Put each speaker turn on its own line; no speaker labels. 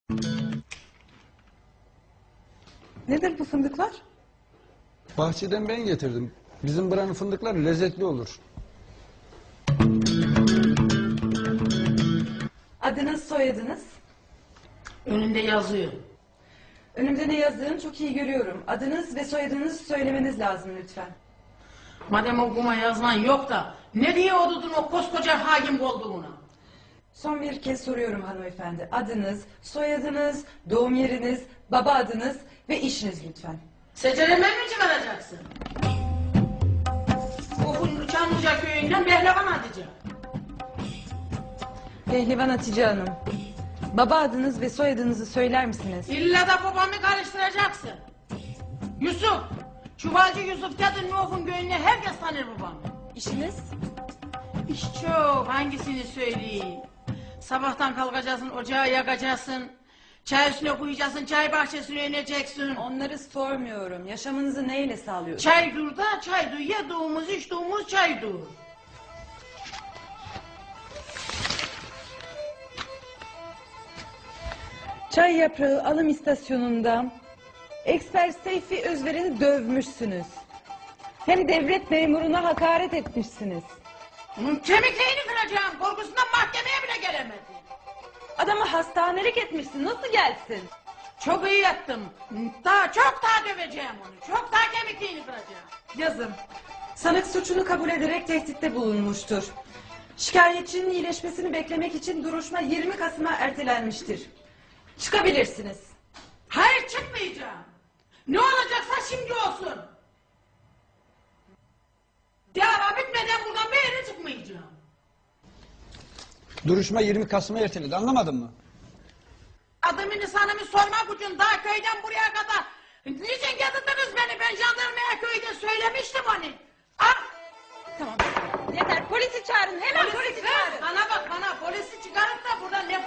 Nedir bu fındıklar?
Bahçeden ben getirdim. Bizim buranın fındıkları lezzetli olur.
Adınız, soyadınız?
Önünde yazıyor.
Önümde ne yazdığını çok iyi görüyorum. Adınız ve soyadınızı söylemeniz lazım lütfen.
Madem okuma yazman yok da ne diye odudun o koskoca hakim koltuğuna?
Son bir kez soruyorum hanımefendi. Adınız, soyadınız, doğum yeriniz, baba adınız ve işiniz lütfen.
Secereme mi çıkaracaksın? Bu Çamlıca köyünden Behlevan Hatice.
Pehlivan Hatice Hanım. Baba adınız ve soyadınızı söyler misiniz?
İlla da babamı karıştıracaksın. Yusuf. Çuvalcı Yusuf Cadı Nuh'un köyünde herkes tanır babamı.
İşiniz?
İş çok. Hangisini söyleyeyim? Sabahtan kalkacaksın, ocağı yakacaksın. Çay üstüne koyacaksın, çay bahçesine ineceksin.
Onları sormuyorum. Yaşamınızı neyle sağlıyorsunuz?
Çay dur da çay dur. Yediğimiz içtiğimiz çay dur.
Çay yaprağı alım istasyonunda Eksper Seyfi Özveren'i dövmüşsünüz. Hem devlet memuruna hakaret etmişsiniz.
Onun kemiklerini kıracağım. Korkusundan mahkemeye bile gelemedi.
Adamı hastanelik etmişsin. Nasıl gelsin?
Çok iyi yattım. Çok daha döveceğim onu. Çok daha kemiklerini kıracağım.
Yazın. Sanık suçunu kabul ederek tehditte bulunmuştur. Şikayetçinin iyileşmesini beklemek için duruşma 20 Kasım'a ertelenmiştir. Çıkabilirsiniz.
Hayır, çıkmayacağım. Ne olacaksa şimdi olsun. Dava bitmeden buradan bir yere çıkmayacağım.
Duruşma 20 Kasım'a erteledi. Anlamadın mı?
Adımı nisanımı sormak için daha köyden buraya kadar niçin getirdiniz beni? Ben jandarmaya köyde söylemiştim hani. Ah!
Tamam. Yeter. Polisi çağırın. Hemen polisi çağırın.
Bana bak, bana polisi çıkarıp da burada ne